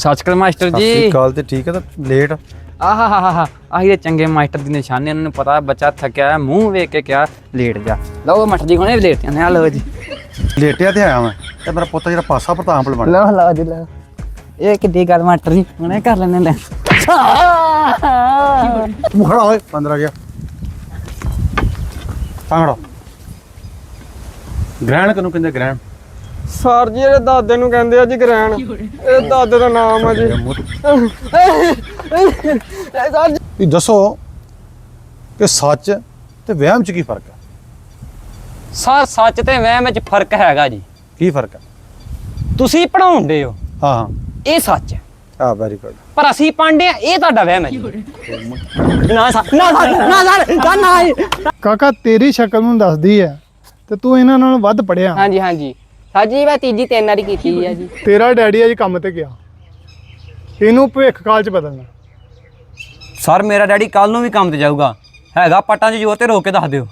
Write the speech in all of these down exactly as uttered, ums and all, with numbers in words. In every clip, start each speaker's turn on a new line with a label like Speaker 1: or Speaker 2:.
Speaker 1: ਸਤਿ ਸ਼੍ਰੀ ਅਕਾਲ ਮਾਸਟਰ ਜੀ।
Speaker 2: ਕੱਲ ਤੇ ਠੀਕ ਹੈ ਤਾਂ ਲੇਟ
Speaker 1: ਆਹਾ ਹਾ ਹਾ ਆਹੀ ਦੇ ਚੰਗੇ ਮਾਸਟਰ ਦੀ ਨਿਸ਼ਾਨੀ। ਉਹਨਾਂ ਨੂੰ ਪਤਾ ਬੱਚਾ ਥੱਕਿਆ ਹੈ, ਮੂੰਹ ਵੇਖ ਕੇ ਕਿਹਾ ਲੇਟ ਜਾ। ਲਓ ਮਾਸਟਰ ਜੀ ਹੁਣੇ ਲੇਟ ਜਾਂਦੇ ਆ। ਲਓ ਜੀ
Speaker 2: ਲੇਟਿਆ ਤੇ ਆਇਆ ਮੈਂ ਤੇ ਮੇਰਾ ਪੁੱਤ ਜਿਹੜਾ ਪਾਸਾ ਪ੍ਰਤਾਪ ਬਣ
Speaker 1: ਲਓ ਲਓ ਜੀ ਲਓ। ਇਹ ਕਿੱਡੀ ਗੱਲ ਮਾਸਟਰ ਜੀ, ਹੁਣੇ ਕਰ ਲੈਣੇ ਲੈ।
Speaker 2: ਤੂੰ ਖੜਾ ਹੋਏ ਪੰਦਰਾਂ ਗਿਆ ਤਾਂ ਖੜਾ। ਗ੍ਰਹਿਣ ਕਿਹਨੂੰ ਕਹਿੰਦੇ ਗ੍ਰਹਿਣ?
Speaker 3: ਸਰ ਜੀ ਇਹਦੇ ਦਾਦੇ ਨੂੰ ਕਹਿੰਦੇ ਆ ਜੀ ਗ੍ਰਹਿਣ। ਇਹ ਦਾਦੇ ਦਾ ਨਾਮ ਆ ਜੀ। ਸਰ ਜੀ
Speaker 2: ਵੀ ਦੱਸੋ ਕਿ ਸੱਚ ਤੇ ਵਹਿਮ ਚ ਕੀ ਫਰਕ ਹੈ?
Speaker 4: ਸਰ ਸੱਚ ਤੇ ਵਹਿਮ ਵਿੱਚ ਫਰਕ ਹੈਗਾ ਜੀ।
Speaker 2: ਕੀ ਫਰਕ ਹੈ?
Speaker 4: ਤੁਸੀਂ ਪੜਾਉਂਦੇ ਹੋ,
Speaker 2: ਹਾਂ ਹਾਂ
Speaker 4: ਇਹ ਸੱਚ ਹੈ,
Speaker 2: ਆ ਵੈਰੀ ਗੁੱਡ।
Speaker 4: ਪਰ ਅਸੀਂ ਪਾਂਡੇ ਆ, ਇਹ ਤੁਹਾਡਾ ਵਹਿਮ ਹੈ ਜੀ। ਨਾ ਸਰ ਨਾ ਸਰ ਨਾ ਸਰ ਨਾ।
Speaker 3: ਕਾਕਾ ਤੇਰੀ ਸ਼ਕਲ ਨੂੰ ਦੱਸਦੀ ਹੈ ਤੇ ਤੂੰ ਇਹਨਾਂ ਨਾਲੋਂ ਵੱਧ ਪੜਿਆ।
Speaker 4: ਹਾਂਜੀ ਹਾਂਜੀ ਸਰ ਜੀ, ਮੈਂ ਤੀਜੀ ਤਿੰਨ ਵਾਰੀ ਕੀਤੀ ਹੈ ਜੀ।
Speaker 3: ਤੇਰਾ ਡੈਡੀ ਅੱਜ ਕੰਮ ਤੇ ਗਿਆ, ਇਹਨੂੰ ਭਵਿੱਖ ਕਾਲ ਚ ਬਦਲਣਾ।
Speaker 4: ਸਰ ਮੇਰਾ ਡੈਡੀ ਕੱਲ ਨੂੰ ਵੀ ਕੰਮ ਤੇ ਜਾਊਗਾ, ਹੈਗਾ ਪੱਟਾਂ 'ਚ ਜੋਰ ਤੇ ਰੋਕ ਕੇ ਦੱਸ ਦਿਓ।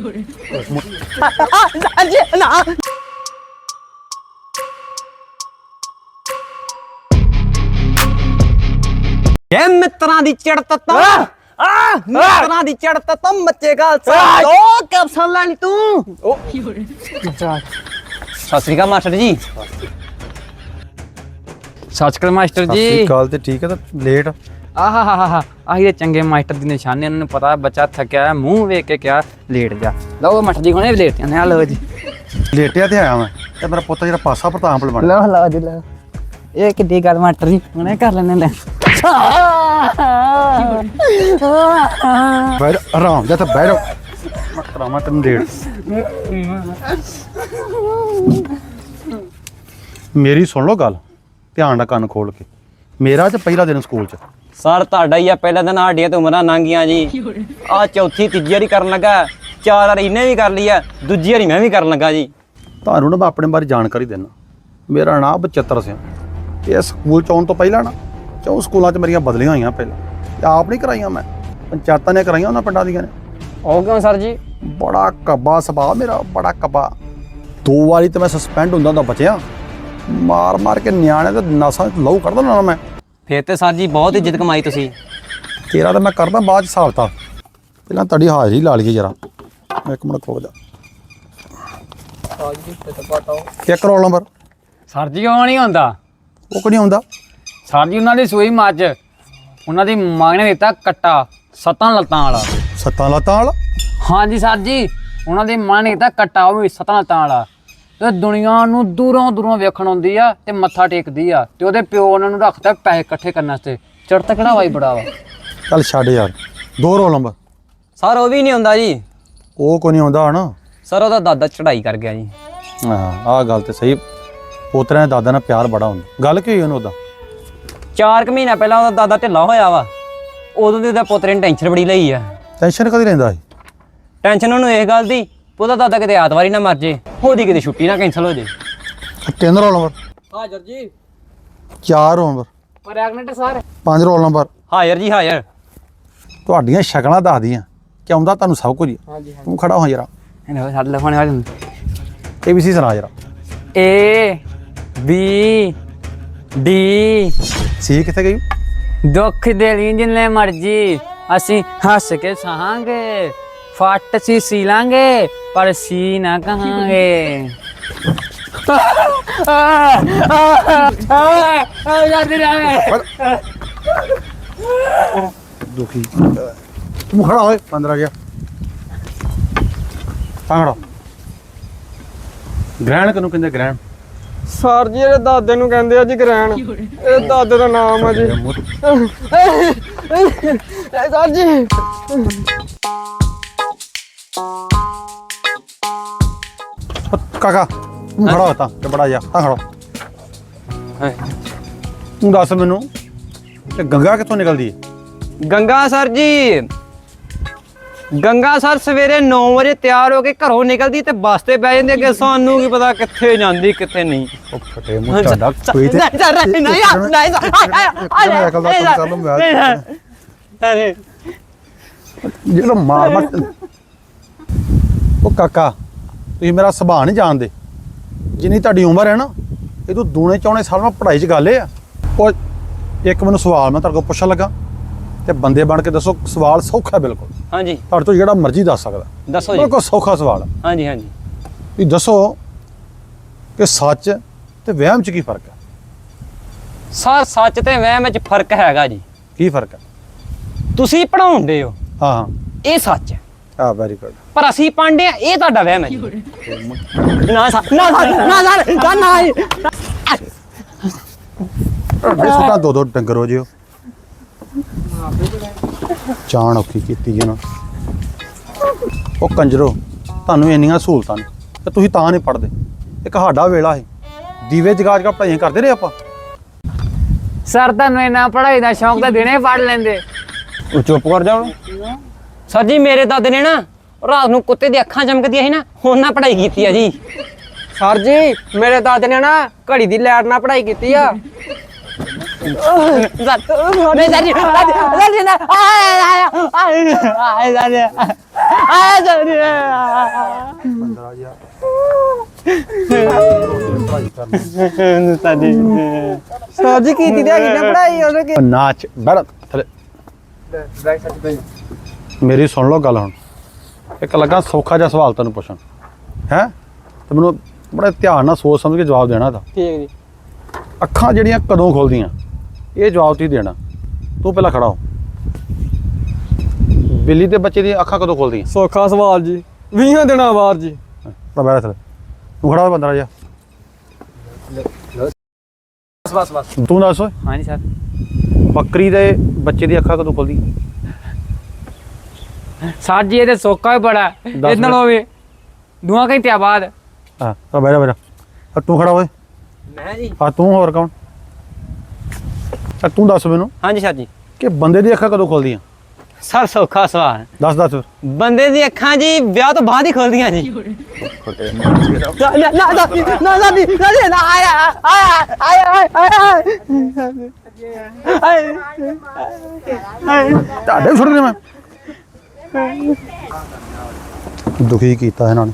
Speaker 4: ਇਹ ਮਿੱਤਰਾਂ ਦੀ ਚੜਤ ਤਾਂ ਆ ਮਿੱਤਰਾਂ ਦੀ ਚੜਤ ਤਾਂ ਮੱਚੇ ਗਾਲ ਸਾ ਦੋ ਕੈਪਸਨ ਲੈਣੀ ਤੂੰ। ਸਤਿ ਸ੍ਰੀ ਅਕਾਲ ਮਾਸਟਰ ਜੀ।
Speaker 1: ਸਤਿ ਸ਼੍ਰੀ ਅਕਾਲ ਮਾਸਟਰ ਜੀ।
Speaker 2: ਕੱਲ ਤੇ ਠੀਕ ਹੈ ਤਾਂ ਲੇਟ
Speaker 1: ਆਹਾ ਹਾ ਹਾ ਆਹੀ ਦੇ ਚੰਗੇ ਮਾਸਟਰ ਦੀ ਨਿਸ਼ਾਨੀ। ਉਹਨਾਂ ਨੂੰ ਪਤਾ ਬੱਚਾ ਥੱਕਿਆ ਹੈ, ਮੂੰਹ ਵੇਖ ਕੇ ਕਿਹਾ ਲੇਟ ਜਾ। ਲਓ ਮਾਸਟਰ ਜੀ ਹੁਣੇ ਲੇਟ ਜਾਂਦੇ ਆ। ਲਓ ਜੀ
Speaker 2: ਲੇਟਿਆ ਤੇ ਆਇਆ ਮੈਂ ਤੇ ਮੇਰਾ ਪੁੱਤ ਜਿਹੜਾ ਪਾਸਾ ਪ੍ਰਤਾਪ ਬਣ
Speaker 1: ਲਓ ਲਓ ਜੀ ਲਓ। ਇਹ ਕਿੱਡੀ ਗੱਲ ਮਾਸਟਰ ਜੀ, ਹੁਣੇ ਕਰ ਲੈਣੇ ਲੈ।
Speaker 2: ਬੈਠ ਆਰਾਮ ਜਾ ਤੇ ਬੈਠ ਮੈਂ ਕਰਾਵਾਂ ਤੈਨੂੰ ਡੇਢ। ਮੇਰੀ ਸੁਣ ਲਓ ਗੱਲ ਧਿਆਨ ਨਾਲ, ਕੰਨ ਖੋਲ ਕੇ। ਮੇਰਾ ਤੇ ਪਹਿਲਾ ਦਿਨ ਸਕੂਲ ਚ।
Speaker 4: ਸਰ ਤੁਹਾਡਾ ਹੀ ਆ ਪਹਿਲਾ ਦਿਨ, ਸਾਡੀਆਂ ਤੇ ਉਮਰਾਂ ਲੰਘੀਆਂ ਜੀ। ਆ ਚੌਥੀ ਤੀਜੀ ਵਾਰੀ ਕਰਨ ਲੱਗਾ, ਚਾਰ ਵਾਰੀ ਇਹਨੇ ਵੀ ਕਰ ਲਈ ਆ, ਦੂਜੀ ਵਾਰੀ ਮੈਂ ਵੀ ਕਰਨ ਲੱਗਾ ਜੀ।
Speaker 2: ਤੁਹਾਨੂੰ ਨਾ ਮੈਂ ਆਪਣੇ ਬਾਰੇ ਜਾਣਕਾਰੀ ਦਿੰਦਾ। ਮੇਰਾ ਨਾਮ ਬਚਿੱਤਰ ਸਿੰਘ। ਇਹ ਸਕੂਲ ਚ ਆਉਣ ਤੋਂ ਪਹਿਲਾਂ ਨਾ ਚੌਂ ਸਕੂਲਾਂ ਚ ਮੇਰੀਆਂ ਬਦਲੀਆਂ ਹੋਈਆਂ। ਪਹਿਲਾਂ ਤੇ ਆਪ ਨਹੀਂ ਕਰਾਈਆਂ, ਮੈਂ ਪੰਚਾਇਤਾਂ ਨੇ ਕਰਾਈਆਂ ਉਹਨਾਂ ਪਿੰਡਾਂ ਦੀਆਂ ਨੇ।
Speaker 4: ਉਹ ਕਿਉਂ ਸਰ ਜੀ?
Speaker 2: ਬੜਾ ਕੱਬਾ ਸੁਭਾਅ ਮੇਰਾ, ਬੜਾ ਕੱਬਾ। ਦੋ ਵਾਰੀ ਤੇ ਮੈਂ ਸਸਪੈਂਡ ਹੁੰਦਾ ਹੁੰਦਾ ਬਚਿਆ। ਮਾਰ ਮਾਰ ਕੇ ਨਿਆਣੇ ਤੇ ਨਸਾਂ ਚ ਲਹੂ ਕੱਢ ਦਿੰਦਾ ਨਾ ਮੈਂ।
Speaker 4: ਫਿਰ ਤੇ ਸਰ ਜੀ ਬਹੁਤ ਇੱਜ਼ਤ ਕਮਾਈ ਤੁਸੀਂ।
Speaker 2: ਤੇਰਾ ਤਾਂ ਮੈਂ ਕਰਦਾ ਬਾਅਦ ਚ ਹਿਸਾਬ ਤਾ, ਪਹਿਲਾਂ ਤੁਹਾਡੀ ਹਾਜ਼ਰੀ ਲਾ ਲਈਏ ਜਰਾ। ਇੱਕ ਮਿੰਟ ਖੋਲ ਜਾ। ਇੱਕ ਰੋਲ ਨੰਬਰ।
Speaker 1: ਸਰ ਜੀ ਉਹ ਨਹੀਂ ਹੁੰਦਾ।
Speaker 2: ਉਹ ਕਿਉਂ ਨਹੀਂ ਆਉਂਦਾ?
Speaker 1: ਸਰ ਜੀ ਉਹਨਾਂ ਦੀ ਸੂਈ ਮੱਝ, ਉਹਨਾਂ ਦੀ ਮਾਂ ਨੇ ਦਿੱਤਾ ਕੱਟਾ ਸੱਤਾਂ ਲੱਤਾਂ ਵਾਲਾ।
Speaker 2: ਸੱਤਾਂ ਲੱਤਾਂ ਵਾਲਾ?
Speaker 1: ਹਾਂਜੀ ਸਰ ਜੀ, ਉਹਨਾਂ ਦੀ ਮਾਂ ਨੇ ਦਿੱਤਾ ਕੱਟਾ, ਉਹ ਵੀ ਸੱਤਾਂ ਲੱਤਾਂ ਵਾਲਾ। ਤੇ ਦੁਨੀਆ ਨੂੰ ਦੂਰੋਂ ਦੂਰੋਂ ਵੇਖਣ ਆਉਂਦੀ ਆ ਤੇ ਮੱਥਾ ਟੇਕਦੀ ਆ। ਤੇ ਉਹਦੇ ਪਿਓ ਉਹਨਾਂ ਨੂੰ ਰੱਖਦਾ ਪੈਸੇ ਇਕੱਠੇ ਕਰਨ ਵਾਸਤੇ। ਚੜ੍ਹਤ ਕਿਹੜਾ ਵਾਈ ਬੜਾ ਵਾ।
Speaker 2: ਚੱਲ ਛੱਡ ਯਾਰ। ਦੋ ਰੋਲ ਨੰਬਰ।
Speaker 4: ਸਰ ਉਹ ਵੀ ਨਹੀਂ ਹੁੰਦਾ ਜੀ।
Speaker 2: ਉਹ ਕੋਈ ਨਹੀਂ ਆਉਂਦਾ ਹਨਾ?
Speaker 4: ਸਰ ਉਹਦਾ ਦਾਦਾ ਚੜਾਈ ਕਰ ਗਿਆ ਜੀ।
Speaker 2: ਹਾਂ ਆਹ ਗੱਲ ਤੇ ਸਹੀ। ਪੋਤਰਿਆਂ ਦੇ ਦਾਦਾ ਨਾਲ ਪਿਆਰ ਬੜਾ ਹੁੰਦਾ। ਗੱਲ ਕੀ ਹੋਈ ਉਹਨੂੰ ਉਹਦਾ?
Speaker 4: ਚਾਰ ਕੁ ਮਹੀਨਾ ਪਹਿਲਾਂ ਉਹਦਾ ਦਾਦਾ ਢਿੱਲਾ ਹੋਇਆ ਵਾ, ਉਦੋਂ ਦੀ ਉਹਦਾ ਪੋਤਰੇ ਨੇ ਟੈਨਸ਼ਨ ਬੜੀ ਲਈ ਆ।
Speaker 2: ਟੈਨਸ਼ਨ ਕਦੀ ਰਹਿੰਦਾ ਸੀ?
Speaker 4: ਟੈਨਸ਼ਨ ਉਹਨੂੰ ਇਸ ਗੱਲ ਦੀ, ਉਹਦਾ ਦਾਦਾ ਕਿਤੇ ਐਤਵਾਰੀ ਨਾ ਮਰ ਜੇ, ਉਹਦੀ ਕਿਤੇ ਛੁੱਟੀ ਨਾ ਕੈਂਸਲ ਹੋ ਜੇ।
Speaker 2: ਤਿੰਨ ਰੋਲ ਨੰਬਰ।
Speaker 1: ਹਾਜ਼ਰ ਜੀ।
Speaker 2: ਚਾਰ ਰੋਲ ਨੰਬਰ।
Speaker 1: Pregnant sir.
Speaker 2: ਪੰਜ ਰੋਲ ਨੰਬਰ।
Speaker 4: ਹਾਜ਼ਰ ਜੀ ਹਾਜ਼ਰ।
Speaker 2: ਤੁਹਾਡੀਆਂ ਸ਼ਕਲਾਂ ਦੱਸਦੀਆਂ ਕਿ ਆਉਂਦਾ ਤੁਹਾਨੂੰ ਸਭ ਕੁਝ।
Speaker 1: ਹਾਂਜੀ ਹਾਂ।
Speaker 2: ਤੂੰ ਖੜਾ ਹੋ ਜਰਾ।
Speaker 1: ਇਹਨੇ ਸਾਡੇ ਲਫਾਣੇ ਵਾਲੇ
Speaker 2: ਏ ਬੀ ਸੀ ਸੁਣਾ ਜਰਾ।
Speaker 1: A B D.
Speaker 2: ਸੀ ਕਿੱਥੇ ਗਈ?
Speaker 1: ਦੁੱਖ ਦੇ ਲਈ ਜਿੰਨੇ ਮਰਜੀ ਅਸੀਂ ਹੱਸ ਕੇ ਸਹਾਂਗੇ, ਫੱਟ ਸੀ ਸੀ ਲਾਂਗੇ ਪਰ ਸੀ ਨਾ ਕਹਾਂਗੇ।
Speaker 2: ਦੁਖੀ। ਤੂੰ ਖੜਾ ਹੋਏ ਪੰਦਰਾਂ ਗਿਆ ਤਾਂ ਖੜਾ। ਗ੍ਰਹਿਣ ਕਿਹਨੂੰ ਕਹਿੰਦੇ ਗ੍ਰਹਿਣ?
Speaker 3: ਸਰ ਜੀ ਇਹਦੇ ਦਾਦੇ ਨੂੰ ਕਹਿੰਦੇ ਆ ਜੀ ਗ੍ਰਹਿਣ। ਇਹ ਦਾਦੇ ਦਾ ਨਾਮ ਆ ਜੀ। ਸਰ ਜੀ
Speaker 2: ਕਾਕਾ ਤੂੰ ਖੜਾ ਹੋ ਤਾਂ ਤੇ ਬੜਾ ਜਾ ਤਾਂ ਖੜਾ। ਤੂੰ ਦੱਸ ਮੈਨੂੰ ਤੇ ਗੰਗਾ ਕਿੱਥੋਂ ਨਿਕਲਦੀ ਹੈ?
Speaker 4: ਗੰਗਾ ਸਰ ਜੀ, ਗੰਗਾ ਸਰ ਸਵੇਰੇ ਨੌ ਵਜੇ ਤਿਆਰ ਹੋ ਕੇ ਘਰੋਂ ਨਿਕਲਦੀ ਤੇ ਬੱਸ ਤੇ ਬਹਿ ਜਾਂਦੀ। ਅੱਗੇ ਸਾਨੂੰ ਕੀ ਪਤਾ ਕਿੱਥੇ ਜਾਂਦੀ ਕਿੱਥੇ ਨਹੀਂ।
Speaker 2: ਉਹ ਫਟੇ ਮੂੰਹ ਤੁਹਾਡਾ ਕੋਈ ਤੇ
Speaker 4: ਨਹੀਂ ਨਹੀਂ ਯਾਰ ਨਹੀਂ
Speaker 2: ਅਕਲ ਦਾ ਕੰਮ ਕਰ ਲਓ। ਮੈਂ
Speaker 4: ਅਰੇ
Speaker 2: ਜਿਹੜਾ ਮਾਰ ਮਾਰ। ਉਹ ਕਾਕਾ ਤੁਸੀਂ ਮੇਰਾ ਸੁਭਾਅ ਨਹੀਂ ਜਾਣਦੇ। ਜਿੰਨੀ ਤੁਹਾਡੀ ਉਮਰ ਹੈ ਨਾ, ਇਹ ਤੋਂ ਦੂਣੇ ਚੌਣੇ ਸਾਲ ਮੈਂ ਪੜ੍ਹਾਈ 'ਚ ਗੱਲ ਇਹ ਆ। ਉਹ ਇੱਕ ਮੈਨੂੰ ਸਵਾਲ ਮੈਂ ਤੁਹਾਡੇ ਕੋਲ ਪੁੱਛਣ ਲੱਗਾ ਤੇ ਬੰਦੇ ਬਣ ਕੇ ਦੱਸੋ। ਸਵਾਲ ਸੌਖਾ ਬਿਲਕੁਲ,
Speaker 4: ਹਾਂਜੀ
Speaker 2: ਤੁਹਾਡੇ ਤੋਂ ਜਿਹੜਾ ਮਰਜ਼ੀ ਦੱਸ ਸਕਦਾ।
Speaker 4: ਦੱਸੋ ਜੀ।
Speaker 2: ਬਿਲਕੁਲ ਸੌਖਾ ਸਵਾਲ ਆ।
Speaker 4: ਹਾਂਜੀ ਹਾਂਜੀ
Speaker 2: ਵੀ ਦੱਸੋ ਕਿ ਸੱਚ ਤੇ ਵਹਿਮ 'ਚ ਕੀ ਫਰਕ ਹੈ?
Speaker 4: ਸਰ ਸੱਚ ਤੇ ਵਹਿਮ ਵਿੱਚ ਫਰਕ ਹੈਗਾ ਜੀ।
Speaker 2: ਕੀ ਫਰਕ ਹੈ?
Speaker 4: ਤੁਸੀਂ ਪੜਾਉਂਦੇ ਹੋ,
Speaker 2: ਹਾਂ ਹਾਂ,
Speaker 4: ਇਹ ਸੱਚ ਹੈ,
Speaker 2: ਆ ਵੈਰੀ ਗੁੱਡ।
Speaker 4: ਪਰ ਅਸੀਂ ਪਾਂਡੇ ਆ, ਇਹ ਤੁਹਾਡਾ ਵਹਿਮ ਹੈ ਜੀ। ਨਾ ਸਰ ਨਾ ਸਰ ਨਾ ਸਰ ਨਾ ਨਾ
Speaker 2: ਇਹ ਸੁਟਾ ਦੋ ਦੋ ਡੰਗਰ ਹੋ ਜਿਓ। ਚਾਣ ਔਖੀ ਕੀਤੀ ਜੀ ਨਾ। ਉਹ ਕੰਜਰੋ, ਤੁਹਾਨੂੰ ਇੰਨੀਆਂ ਸਹੂਲਤਾਂ ਨੇ ਤੇ ਤੁਸੀਂ ਤਾਂ ਨਹੀਂ ਪੜ੍ਹਦੇ। ਇੱਕ ਸਾਡਾ ਵੇਲਾ ਹੈ, ਦੀਵੇ ਜਗਾ ਜਗਾ ਪੜ੍ਹਾਈਆਂ ਕਰਦੇ ਰਹੇ ਆਪਾਂ।
Speaker 1: ਸਰ ਤੁਹਾਨੂੰ ਇੰਨਾ ਪੜ੍ਹਾਈ ਦਾ ਸ਼ੌਂਕ ਤਾਂ ਦਿਨੇ ਪੜ੍ਹ ਲੈਂਦੇ।
Speaker 4: ਉਹ ਚੁੱਪ ਕਰ ਜਾਓ। ਸਰ ਜੀ ਮੇਰੇ ਦਾਦੇ ਨੇ ਨਾ ਰਾਤ ਨੂੰ ਕੁੱਤੇ ਦੀ ਅੱਖਾਂ ਚਮਕਦੀਆਂ ਸੀ ਨਾ, ਉਹਨਾਂ ਪੜ੍ਹਾਈ ਕੀਤੀ ਆ ਜੀ।
Speaker 3: ਸਰ ਜੀ ਮੇਰੇ ਦਾਦੇ ਨੇ ਨਾ ਘੜੀ ਦੀ ਲਾਈਟ ਨਾਲ ਪੜ੍ਹਾਈ ਕੀਤੀ ਆ।
Speaker 4: ਨਹੀਂ ਸਰ ਜੀ ਸਰ ਜੀ ਨਾ ਆਏ ਆਏ ਆਏ ਆਏ ਆਏ ਸਰ ਜੀ
Speaker 3: ਸਰ ਜੀ ਕੀਤੀ ਤੇ ਹੈਗੀ ਨਾ ਪੜ੍ਹਾਈ ਉਹਨੇ ਕੀ-
Speaker 2: ਨਾਚ ਬੈਠ ਥੱਲੇ। ਮੇਰੀ ਸੁਣ ਲਓ ਗੱਲ ਹੁਣ। ਇੱਕ ਲੱਗਾ ਸੌਖਾ ਜਿਹਾ ਸਵਾਲ ਤੈਨੂੰ ਪੁੱਛਣ ਹੈ, ਤੇ ਮੈਨੂੰ ਬੜੇ ਧਿਆਨ ਨਾਲ ਸੋਚ ਸਮਝ ਕੇ ਜਵਾਬ ਦੇਣਾ ਤਾਂ।
Speaker 3: ਠੀਕ ਹੈ ਜੀ।
Speaker 2: ਅੱਖਾਂ ਜਿਹੜੀਆਂ ਕਦੋਂ ਖੁੱਲਦੀਆਂ, ਇਹ ਜਵਾਬ ਤੁਸੀਂ ਦੇਣਾ। ਤੂੰ ਪਹਿਲਾਂ ਖੜਾ ਹੋ। ਬਿੱਲੀ ਦੇ ਬੱਚੇ ਦੀਆਂ ਅੱਖਾਂ ਕਦੋਂ ਖੁੱਲਦੀਆਂ?
Speaker 3: ਸੌਖਾ ਸਵਾਲ ਜੀ, ਵੀਹਾਂ ਦਿਨਾਂ ਬਾਅਦ ਜੀ।
Speaker 2: ਤਾਂ ਬੈਠ ਥੱਲੇ। ਤੂੰ ਖੜਾ ਹੋ ਬੰਦਾ ਜਾ।
Speaker 1: ਬਸ ਬਸ
Speaker 2: ਤੂੰ ਦੱਸ ਓਏ,
Speaker 1: ਹਾਂਜੀ ਸਰ।
Speaker 2: ਬੱਕਰੀ ਦੇ ਬੱਚੇ ਦੀ ਅੱਖਾਂ ਕਦੋਂ ਖੁੱਲਦੀਆਂ?
Speaker 1: ਸਰ ਜੀ ਇਹ ਤੇ ਸੌਖਾ ਹੀ ਬੜਾ
Speaker 2: ਦੱਸ
Speaker 1: ਇਹ ਨਾਲ ਹੋਵੇ ਦੁਆ ਘੰਟਿਆਂ ਬਾਅਦ।
Speaker 2: ਹਾਂ ਤਾਂ ਬੈਠ ਬੈਠ। ਆ ਤੂੰ ਖੜਾ ਹੋਏ।
Speaker 4: ਮੈਂ ਜੀ।
Speaker 2: ਆ ਤੂੰ ਹੋਰ ਕੌਣ? ਆ ਤੂੰ ਦੱਸ ਮੈਨੂੰ
Speaker 4: ਹਾਂਜੀ ਸਰ ਜੀ।
Speaker 2: ਕਿ ਬੰਦੇ ਦੀ ਅੱਖਾਂ ਕਦੋਂ ਖੁੱਲਦੀਆਂ?
Speaker 4: ਸਰ ਸੌਖਾ ਸਵਾਲ।
Speaker 2: ਦੱਸ ਦੱਸ ਫਿਰ।
Speaker 4: ਬੰਦੇ ਦੀ ਅੱਖਾਂ ਜੀ ਵਿਆਹ ਤੋਂ ਬਾਅਦ ਹੀ ਖੁੱਲਦੀਆਂ ਜੀ। ਨਾ ਨਾ ਨਾ ਨਾ ਨਾ ਨਾ ਨਾ ਆਇਆ ਆਇਆ ਆਇਆ ਆਇਆ
Speaker 2: ਤੁਹਾਡੇ ਵੀ ਛੁੱਟ ਗਏ। ਮੈਂ ਦੁਖੀ ਕੀਤਾ ਇਹਨਾਂ ਨੇ।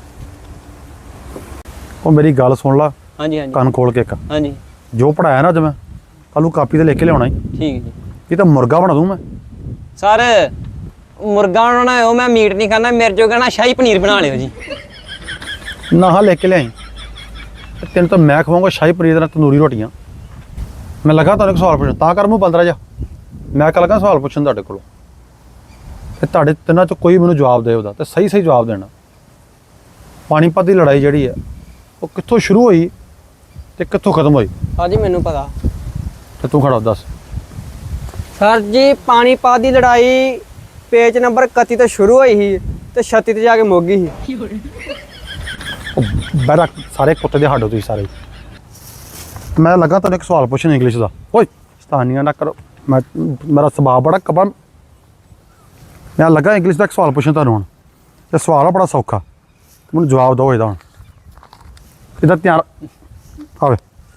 Speaker 2: ਉਹ ਮੇਰੀ ਗੱਲ ਸੁਣ ਲਾ,
Speaker 4: ਹਾਂਜੀ ਹਾਂਜੀ
Speaker 2: ਕੰਨ ਖੋਲ ਕੇ ਇੱਕ।
Speaker 4: ਹਾਂਜੀ
Speaker 2: ਜੋ ਪੜਾਇਆ ਨਾ ਅੱਜ ਮੈਂ, ਕੱਲ ਨੂੰ ਕਾਪੀ ਤੇ ਲਿਖ ਕੇ ਲਿਆਉਣਾ ਹੀ।
Speaker 4: ਠੀਕ ਹੈ ਜੀ।
Speaker 2: ਇਹ ਤਾਂ ਮੁਰਗਾ ਬਣਾ ਦੂੰ ਮੈਂ।
Speaker 4: ਸਰ ਮੁਰਗਾ ਬਣਾਉਣਾ ਹੋ, ਮੈਂ ਮੀਟ ਨਹੀਂ ਖਾਣਾ, ਮੇਰੇ ਜੋ ਕਹਿਣਾ ਸ਼ਾਹੀ ਪਨੀਰ ਬਣਾ ਲਿਓ ਜੀ।
Speaker 2: ਨਾ ਹਾਂ ਲਿਖ ਕੇ ਲਿਆਈ। ਤੇ ਤੈਨੂੰ ਤਾਂ ਮੈਂ ਖਵਾਉਂਗਾ ਸ਼ਾਹੀ ਪਨੀਰ ਦੇ ਨਾਲ ਤੰਦੂਰੀ ਰੋਟੀਆਂ। ਮੈਂ ਲੱਗਾ ਤੁਹਾਨੂੰ ਇੱਕ ਸਵਾਲ ਪੁੱਛਣ, ਤਾਂ ਕਰ ਮੂੰਹ ਬੰਦ ਰਹਿ ਜਾ। ਮੈਂ ਕੱਲ ਲੱਗਾ ਸਵਾਲ ਪੁੱਛਣ ਤੁਹਾਡੇ ਕੋਲੋਂ, ਤੇ ਤੁਹਾਡੇ ਤਿੰਨਾਂ ਚੋਂ ਕੋਈ ਮੈਨੂੰ ਜਵਾਬ ਦੇ ਉਹਦਾ, ਤੇ ਸਹੀ ਸਹੀ ਜਵਾਬ ਦੇਣਾ। ਪਾਣੀਪਤ ਦੀ ਲੜਾਈ ਜਿਹੜੀ ਹੈ ਉਹ ਕਿੱਥੋਂ ਸ਼ੁਰੂ ਹੋਈ ਤੇ ਕਿੱਥੋਂ ਖਤਮ ਹੋਈ?
Speaker 3: ਹਾਂਜੀ ਮੈਨੂੰ ਪਤਾ।
Speaker 2: ਤੇ ਤੂੰ ਖੜਾ ਹੋ, ਦੱਸ।
Speaker 3: ਸਰ ਜੀ ਪਾਣੀਪਤ ਦੀ ਲੜਾਈ ਪੇਜ ਨੰਬਰ ਇਕੱਤੀ ਤੋਂ ਸ਼ੁਰੂ ਹੋਈ ਸੀ ਤੇ ਛੱਤੀ ਤੇ ਜਾ ਕੇ ਮੁੱਕ ਗਈ ਸੀ।
Speaker 2: ਉਹ ਬੈਰਾ ਸਾਰੇ ਕੁੱਤੇ ਦੇ ਹੱਡ ਹੋ ਤੁਸੀਂ ਸਾਰੇ। ਮੈਂ ਲੱਗਾ ਤੁਹਾਨੂੰ ਇੱਕ ਸਵਾਲ ਪੁੱਛਣ ਇੰਗਲਿਸ਼ ਦਾ। ਓਏ ਸਤਾਨੀਆਂ ਨਾ ਕਰੋ, ਮੈਂ ਮੇਰਾ ਸੁਭਾਅ ਬੜਾ ਕਬਾ। ਮੈਂ ਲੱਗਾ ਇੰਗਲਿਸ਼ ਦਾ ਇੱਕ ਸਵਾਲ ਪੁੱਛਣ ਤੁਹਾਨੂੰ ਹੁਣ, ਤੇ ਸਵਾਲ ਆ ਬੜਾ ਸੌਖਾ, ਮੈਨੂੰ ਜਵਾਬ ਦਿਓ ਇਹਦਾ ਹੁਣ। ਇਹਦਾ ਧਿਆਨ ਆਵੇ।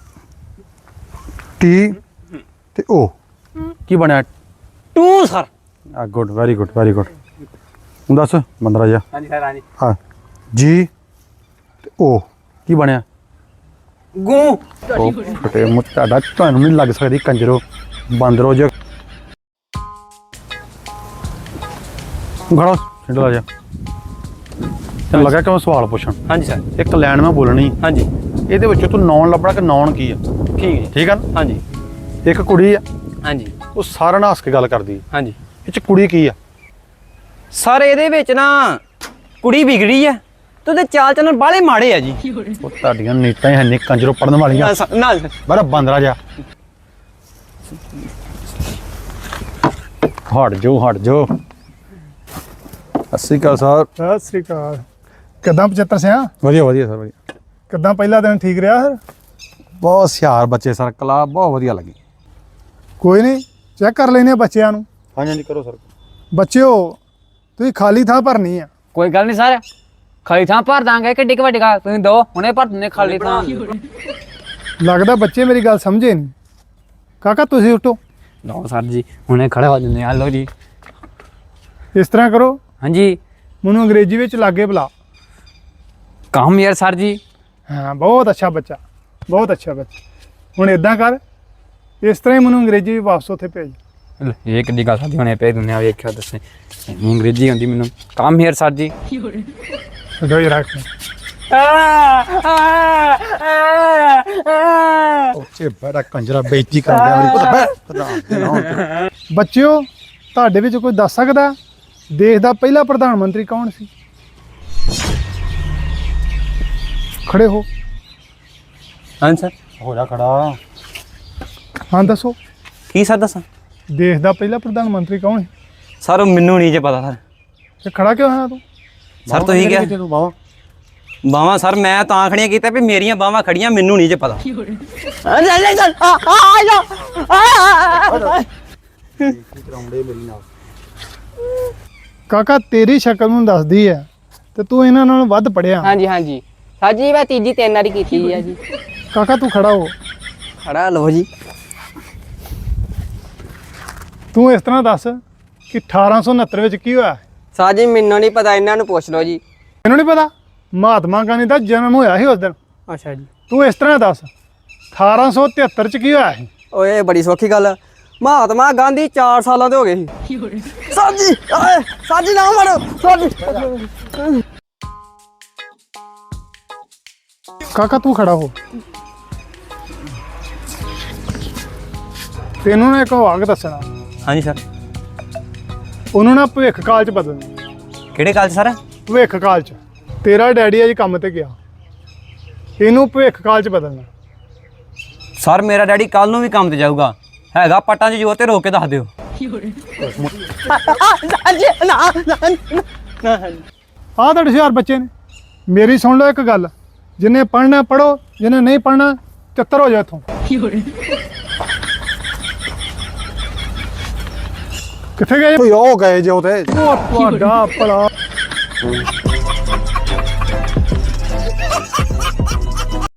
Speaker 2: ਟੀ ਤੇ ਓ ਕੀ ਬਣਿਆ?
Speaker 4: Two sir.
Speaker 2: ਆ good, very good very good. ਹੁਣ ਦੱਸ ਬੰਦਰਾ ਜਾ।
Speaker 1: ਹਾਂਜੀ ਸਰ ਹਾਂਜੀ।
Speaker 2: ਹਾਂ ਜੀ ਤੇ ਓ ਕੀ ਬਣਿਆ?
Speaker 4: ਗੂ।
Speaker 2: ਉਹ ਫਟੇ ਮੂੰਹ ਤੁਹਾਡਾ, ਤੁਹਾਨੂੰ ਨਹੀਂ ਲੱਗ ਸਕਦੀ ਕੰਜਰੋ ਬਾਂਦਰੋ ਜੇ। ਖੜਾ ਛਿੰਡਲਾ ਜਾ। ਤੈਨੂੰ ਲੱਗਾ ਕਿ ਮੈਂ ਸਵਾਲ ਪੁੱਛਣ,
Speaker 4: ਹਾਂਜੀ ਸਰ।
Speaker 2: ਇੱਕ ਲਾਈਨ ਮੈਂ ਬੋਲਣੀ,
Speaker 4: ਹਾਂਜੀ
Speaker 2: ਇਹਦੇ ਵਿੱਚੋਂ ਤੂੰ ਨੌਨ ਲੱਭਣਾ ਕਿ ਨੌਨ ਕੀ ਆ।
Speaker 4: ਠੀਕ ਹੈ ਜੀ।
Speaker 2: ਠੀਕ ਆ ਨਾ?
Speaker 4: ਹਾਂਜੀ
Speaker 2: ਇੱਕ ਕੁੜੀ ਆ,
Speaker 4: ਹਾਂਜੀ
Speaker 2: ਉਹ ਸਾਰਿਆਂ ਨਾਲ ਹੱਸ ਕੇ ਗੱਲ ਕਰਦੀ ਹੈ।
Speaker 4: ਹਾਂਜੀ
Speaker 2: ਇਹ ਚ ਕੁੜੀ ਕੀ ਆ?
Speaker 4: ਸਰ ਇਹਦੇ ਵਿੱਚ ਨਾ ਕੁੜੀ ਵਿਗੜੀ ਆ ਤੇ ਉਹਦੇ ਚਾਲ ਚੱਲਣ ਬਾਲੇ ਮਾੜੇ ਆ ਜੀ।
Speaker 2: ਉਹ ਤੁਹਾਡੀਆਂ ਨੀਤਾਂ ਹੀ ਹੈ ਨਹੀਂ ਕੰਜਰੋ ਪੜਨ ਵਾਲੀਆਂ।
Speaker 4: ਨਾ ਸਰ, ਨਾ ਸਰ।
Speaker 2: ਬੜਾ ਬਾਂਦਰਾ ਜਾ। ਹਟ ਜੋ ਹਟ ਜੋ। ਸਤਿ ਸ਼੍ਰੀ ਅਕਾਲ ਸਰ।
Speaker 5: ਸਤਿ ਸ੍ਰੀ ਅਕਾਲ। ਕਿੱਦਾਂ ਪਚੱਤਰ ਸਿਆ?
Speaker 2: ਵਧੀਆ ਵਧੀਆ ਸਰ ਵਧੀਆ।
Speaker 5: ਕਿੱਦਾਂ ਪਹਿਲਾ ਦਿਨ ਠੀਕ ਰਿਹਾ ਸਰ?
Speaker 2: ਬਹੁਤ ਹੁਸ਼ਿਆਰ ਬੱਚੇ ਸਰ, ਕਲਾ ਬਹੁਤ ਵਧੀਆ ਲੱਗੀ।
Speaker 5: ਕੋਈ ਨਹੀਂ, ਚੈੱਕ ਕਰ ਲੈਨੇ ਆ ਬੱਚਿਆਂ ਨੂੰ।
Speaker 2: ਹਾਂਜੀ ਹਾਂਜੀ ਕਰੋ ਸਰ।
Speaker 5: ਬੱਚਿਓ ਤੁਸੀਂ ਖਾਲੀ ਥਾਂ ਭਰਨੀ ਆ।
Speaker 1: ਕੋਈ ਗੱਲ ਨਹੀਂ ਸਰ, ਖਾਲੀ ਥਾਂ ਭਰ ਦਾਂਗੇ। ਕਿੱਡੀ ਕੁ ਵੱਡੀ ਗੱਲ, ਤੁਸੀਂ ਦੋ ਹੁਣੇ ਭਰ ਦਿੰਦੇ ਖਾਲੀ ਥਾਂ।
Speaker 5: ਲੱਗਦਾ ਬੱਚੇ ਮੇਰੀ ਗੱਲ ਸਮਝੇ ਨਹੀਂ। ਕਾਕਾ ਤੁਸੀਂ ਉੱਠੋ।
Speaker 1: ਲਓ ਸਰ ਜੀ ਹੁਣੇ ਖੜੇ ਹੋ ਜਾਂਦੇ ਆ। ਲਓ ਜੀ।
Speaker 5: ਇਸ ਤਰ੍ਹਾਂ ਕਰੋ,
Speaker 1: ਹਾਂਜੀ
Speaker 5: ਮੈਨੂੰ ਅੰਗਰੇਜ਼ੀ ਵਿੱਚ ਲਾਗੇ ਬੁਲਾ।
Speaker 1: ਕੰਮ ਯਾਰ ਸਰ ਜੀ।
Speaker 5: ਹਾਂ ਬਹੁਤ ਅੱਛਾ ਬੱਚਾ, ਬਹੁਤ ਅੱਛਾ ਬੱਚਾ। ਹੁਣ ਇਦਾਂ ਕਰ, ਇਸ ਤਰ੍ਹਾਂ ਹੀ ਮੈਨੂੰ ਅੰਗਰੇਜ਼ੀ ਵੀ ਵਾਪਸ ਉੱਥੇ ਭੇਜ।
Speaker 1: ਲੈ, ਇਹ ਕਿੱਡੀ ਗੱਲ ਸਾਡੀ ਹੁਣੇ ਪੈ ਦੁਨੀਆ ਵੇਖਿਆ ਦੱਸੇ ਇੰਨੀ ਅੰਗਰੇਜ਼ੀ ਆਉਂਦੀ ਮੈਨੂੰ। ਕਮ ਹੇਅਰ ਸਰ ਜੀ।
Speaker 5: ਛੱਡੋ ਹੀ ਰੱਖ।
Speaker 2: ਉੱਚੇ ਬੜਾ ਕੰਜਰਾ ਬੇਇੱਜ਼ਤੀ ਕਰਦੇ ਆ ਪੁੱਤ ਬੈ ਪ੍ਰਧਾਨ ਦੇ ਨਾਂ ਤੇ।
Speaker 5: ਬੱਚਿਓ, ਤੁਹਾਡੇ ਵਿੱਚ ਕੋਈ ਦੱਸ ਸਕਦਾ ਦੇਸ਼ ਦਾ ਪਹਿਲਾ ਪ੍ਰਧਾਨ ਮੰਤਰੀ ਕੌਣ ਸੀ? ਖੜੇ ਹੋ।
Speaker 4: ਹਾਂ ਸਰ।
Speaker 2: ਹੋ ਜਾ ਖੜਾ।
Speaker 5: ਹਾਂ ਦੱਸੋ,
Speaker 4: ਕੀ ਸਰ ਦੱਸਾਂ?
Speaker 5: ਦੇਸ਼ ਦਾ ਪਹਿਲਾ ਪ੍ਰਧਾਨ ਮੰਤਰੀ ਕੌਣ ਹੈ?
Speaker 4: ਸਰ ਮੈਨੂੰ ਨਹੀਂ ਜੇ ਪਤਾ ਸਰ।
Speaker 5: ਤੇ ਖੜਾ ਕਿਉਂ ਹੋਇਆ ਤੂੰ?
Speaker 4: ਸਰ ਤੁਸੀਂ ਕਿਹਾ
Speaker 2: ਤੂੰ ਬਾਵਾ
Speaker 4: ਬਾਹਾਂ ਸਰ ਮੈਂ ਤਾਂ ਖੜੀਆਂ ਕੀਤਾ ਵੀ ਮੇਰੀਆਂ ਬਾਹਾਂ ਖੜੀਆਂ, ਮੈਨੂੰ ਨਹੀਂ ਜੇ ਪਤਾ।
Speaker 2: ਕਰਾਉਂਦੇ ਮੇਰੀ ਨਾਲ।
Speaker 5: ਕਾਕਾ ਤੇਰੀ ਸ਼ਕਲ ਨੂੰ ਦੱਸਦੀ ਹੈ ਤੇ ਤੂੰ ਇਹਨਾਂ ਨਾਲੋਂ ਵੱਧ ਪੜਿਆ।
Speaker 3: ਹਾਂਜੀ ਹਾਂਜੀ ਸਰ ਜੀ, ਮੈਂ ਤੀਜੀ ਤਿੰਨ ਵਾਰੀ ਕੀਤੀ ਆ ਜੀ।
Speaker 5: ਕਾਕਾ ਤੂੰ ਖੜਾ ਹੋ।
Speaker 3: ਖੜਾ ਲਓ ਜੀ।
Speaker 5: ਤੂੰ ਇਸ ਤਰ੍ਹਾਂ ਦੱਸ ਕਿ ਅਠਾਰਾਂ ਸੌ ਉਨੱਤਰ ਵਿੱਚ ਕੀ ਹੋਇਆ?
Speaker 3: ਸਰ ਜੀ ਮੈਨੂੰ ਨਹੀਂ ਪਤਾ, ਇਹਨਾਂ ਨੂੰ ਪੁੱਛ ਲਓ ਜੀ।
Speaker 5: ਮੈਨੂੰ ਨਹੀਂ ਪਤਾ। ਮਹਾਤਮਾ ਗਾਂਧੀ ਦਾ ਜਨਮ ਹੋਇਆ ਸੀ ਉਸ ਦਿਨ।
Speaker 3: ਅੱਛਾ ਜੀ।
Speaker 5: ਤੂੰ ਇਸ ਤਰ੍ਹਾਂ ਦੱਸ ਅਠਾਰਾਂ ਸੌ ਤਿਹੱਤਰ ਚ ਕੀ ਹੋਇਆ ਸੀ?
Speaker 3: ਓਏ ਬੜੀ ਸੌਖੀ ਗੱਲ ਆ। ਮਹਾਤਮਾ ਗਾਂਧੀ ਚਾਰ ਸਾਲਾਂ ਦੇ ਹੋ ਗਏ ਸੀ। ਸਰ ਜੀ ਓਏ ਸਰ ਜੀ ਨਾ ਮਾਰੋ ਸਰ ਜੀ।
Speaker 5: ਕਾਕਾ ਤੂੰ ਖੜਾ ਹੋ। ਤੈਨੂੰ ਨਾ ਇੱਕ ਵਾਕ ਦੱਸਣਾ,
Speaker 4: ਹਾਂਜੀ ਸਰ।
Speaker 5: ਉਹਨੂੰ ਨਾ ਭਵਿੱਖ ਕਾਲ ਚ ਬਦਲਣਾ।
Speaker 4: ਕਿਹੜੇ ਕਾਲ 'ਚ ਸਰ?
Speaker 5: ਭਵਿੱਖ ਕਾਲ ਚ ਤੇਰਾ ਡੈਡੀ ਅੱਜ ਕੰਮ ਤੇ ਗਿਆ, ਇਹਨੂੰ ਭਵਿੱਖ ਕਾਲ ਚ ਬਦਲਣਾ।
Speaker 4: ਸਰ ਮੇਰਾ ਡੈਡੀ ਕੱਲ ਨੂੰ ਵੀ ਕੰਮ ਤੇ ਜਾਊਗਾ, ਹੈਗਾ ਪੱਟਾਂ 'ਚ ਜੋਰ ਤੇ ਰੋਕ ਕੇ ਦੱਸ ਦਿਓ।
Speaker 5: ਆਹ ਤੁਹਾਡੇ ਹੁਸ਼ਿਆਰ ਬੱਚੇ ਨੇ। ਮੇਰੀ ਸੁਣ ਲਓ ਇੱਕ ਗੱਲ, ਜਿਹਨੇ ਪੜ੍ਹਨਾ ਪੜ੍ਹੋ, ਜਿਹਨੇ ਨਹੀਂ ਪੜ੍ਹਨਾ ਚੱਤਰ ਹੋ ਜਾ ਇੱਥੋਂ। ਕਿੱਥੇ ਗਏ?
Speaker 2: ਓਏ ਉਹ ਗਏ ਜੇ ਉਹ ਤੇ
Speaker 5: ਉਹ ਤੁਹਾਡਾ ਭਲਾ